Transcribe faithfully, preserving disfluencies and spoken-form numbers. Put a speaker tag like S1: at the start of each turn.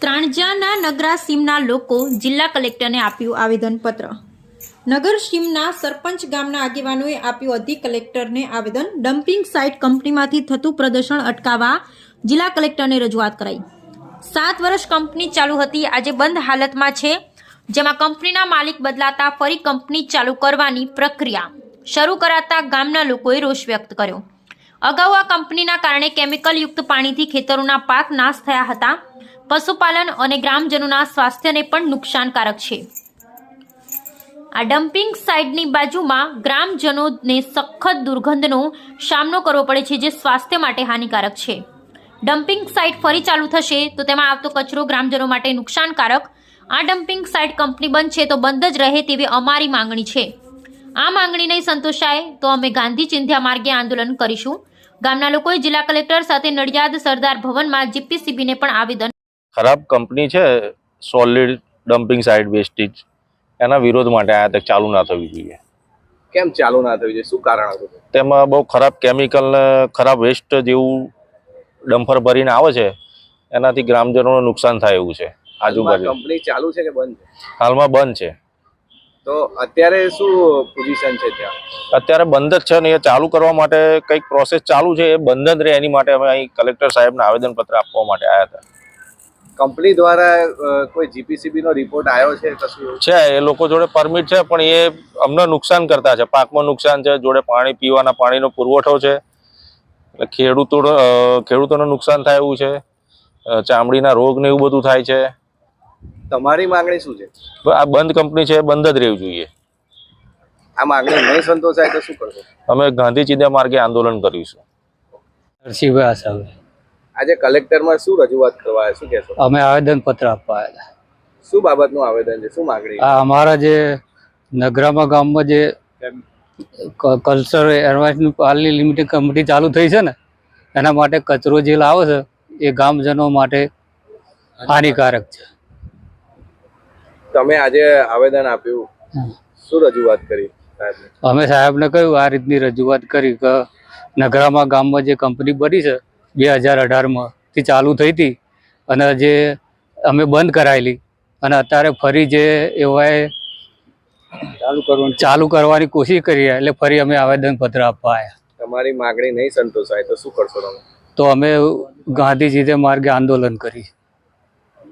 S1: ત્રાણજાના નગરા સીમના લોકો જિલ્લા કલેક્ટરને આપ્યું આવેદનપત્ર। નગર સીમના સરપંચ ગામના આગેવાનોએ આપ્યું અધિક કલેક્ટરને આવેદન। ડમ્પિંગ સાઇટ કંપનીમાંથી થતું પ્રદૂષણ અટકાવવા જિલ્લા કલેક્ટરને રજૂઆત કરાઈ। સાત વર્ષ કંપની ચાલુ હતી, આજે બંધ હાલતમાં છે, જેમાં કંપનીના માલિક બદલાતા ફરી કંપની ચાલુ કરવાની પ્રક્રિયા શરૂ કરાતા ગામના લોકોએ રોષ વ્યક્ત કર્યો। અગાઉ આ કંપનીના કારણે કેમિકલયુક્ત પાણીથી ખેતરોના પાક નાશ થયા હતા। પશુપાલન અને ગ્રામજનોના સ્વાસ્થ્યને પણ નુકસાનકારક છે। આ ડમ્પિંગ સાઇટની બાજુમાં ગ્રામજનોને સખત દુર્ગંધનો સામનો કરવો પડે છે, જે સ્વાસ્થ્ય માટે હાનિકારક છે। ડમ્પિંગ સાઇટ ફરી ચાલુ થશે તો તેમાં આવતો કચરો ગ્રામજનો માટે નુકસાનકારક। આ ડમ્પિંગ સાઇટ કંપની બંધ છે તો બંધ જ રહે તેવી અમારી માંગણી છે। આ માંગણી નહીં સંતોષાય તો અમે ગાંધી ચિંધ્યા માર્ગે આંદોલન કરીશું। ગામના લોકોએ જિલ્લા કલેક્ટર સાથે નડિયાદ સરદાર ભવનમાં જીપીસીબીને પણ આવેદન।
S2: ખરાબ કંપની છે સોલિડ ડમ્પિંગ સાઇટ વેસ્ટેજ, એના વિરોધ માટે આ તક ચાલુ ના થવી જોઈએ।
S3: કેમ ચાલુ ના થવી જોઈએ, શું કારણ હતું?
S2: તેમાં બહુ ખરાબ કેમિકલ ને ખરાબ વેસ્ટ જેવું ડમ્પર ભરીને આવે છે, એનાથી ગ્રામજનોને નુકસાન થાય એવું છે। આજુબાજુ
S3: કંપની ચાલુ છે કે બંધ છે?
S2: હાલમાં બંધ છે।
S3: તો અત્યારે શું પોઝિશન છે ત્યાં?
S2: અત્યારે બંધ જ છે ને, એ ચાલુ કરવા માટે કંઈક પ્રોસેસ ચાલુ છે, એ બંધ જ રહે એની માટે અમે અહીં કલેક્ટર સાહેબને આવેદનપત્ર આપવા માટે આવ્યા હતા।
S3: કંપની દ્વારા કોઈ જીપીસીબી નો રિપોર્ટ આવ્યો છે? કશું
S2: છે, એ લોકો જોડે પરમિટ છે, પણ એ અમને નુકસાન કરતા છે, પાકમાં નુકસાન છે, જોડે પાણી પીવાના પાણીનો પુરવઠો છે, એટલે ખેડૂતો ખેડૂતોને નુકસાન થાય એવું છે, ચામડીના રોગ ને એવું બધું થાય છે।
S3: તમારી માંગણી શું છે?
S2: આ બંધ કંપની છે, બંધ જ રહેવું જોઈએ।
S3: આ માંગણી નહીં સંતોષાય તો શું કરશો?
S2: અમે ગાંધી ચિંધ્યા માર્ગે આંદોલન કરીશું।
S4: નરસિંહભાઈ આસાભાઈ,
S3: આજે કલેક્ટરમાં શું રજૂઆત કરવા આવ્યા, શું કહેશો?
S4: અમે આવેદનપત્ર આપવા આવ્યા હતા।
S3: શું બાબતનું આવેદન છે, શું માંગણી?
S4: આ અમારા જે નગરામાં ગામમાં જે કલ્ચર એડવાઇસની પાલની લિમિટેડ કંપની ચાલુ થઈ છે ને, એના માટે કચરો જે લાવે છે એ ગામજનો માટે હાનિકારક છે।
S3: તમે આજે આવેદન આપ્યું, શું રજૂઆત કરી સાહેબને?
S4: અમે સાહેબને કહ્યું, આ રીતની રજૂઆત કરી કે નગરામાં ગામમાં જે કંપની બની છે બે હજાર અઢારમાં થી ચાલુ થઈ હતી, અને જે અમે બંધ કરાયેલી અને અત્યારે ફરી જે એવાએ ચાલુ કરવાની ચાલુ કરવાની કોશિશ કરી, એટલે ફરી અમે આવેદનપત્ર આપવા આવ્યા।
S3: તમારી માંગણી નહીં સંતોષાય તો શું કરશો તમે?
S4: તો અમે ગાંધીજી માર્ગે આંદોલન કરી।